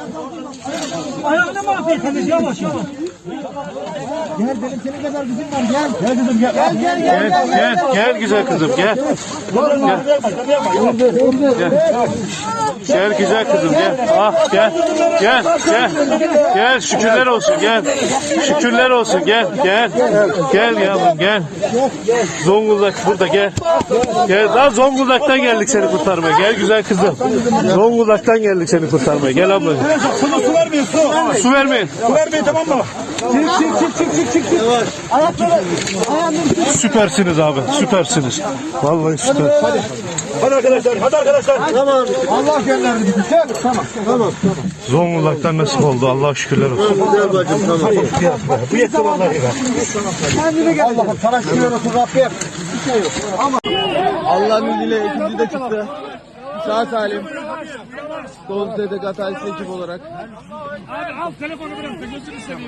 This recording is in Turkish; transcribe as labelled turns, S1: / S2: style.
S1: Ayağını mahvettiniz, yavaş yavaş. Gel benim senin kadar kızım var, gel. Gel kızım gel.
S2: Gel güzel kızım gel. Gel güzel kızım gel. Ah gel. Gel şükürler olsun gel. Şükürler olsun gel. Gel yavrum gel. Zonguldak burada gel. Gel daha Zonguldak'tan geldik seni kurtarmaya. Gel güzel kızım. Zonguldak'tan geldik seni kurtarmaya. Gel ablacığım.
S1: Su vermeyin, su.
S2: Su vermeyin.
S1: Su vermeyin, tamam mı? Çık. Ayakları.
S2: Süpersiniz abi. Süpersiniz. Vallahi süper.
S1: Hadi arkadaşlar. Tamam. Allah gönderdi bizi. Tamam.
S2: Zonguldak'tan nasip oldu. Allah şükürler olsun.
S1: Güzel bacım, tamam. Bu yetti vallahi be. Kendine gel. Allah'ım sana şükürler olsun Rabbim. Bir şey yok.
S3: Allah'ın izniyle ikinci de çıktı. Sağ salim. Doğru Zedek Hatay'sı ekip olarak.
S4: Abi al telefonu bırak da gözünü seveyim.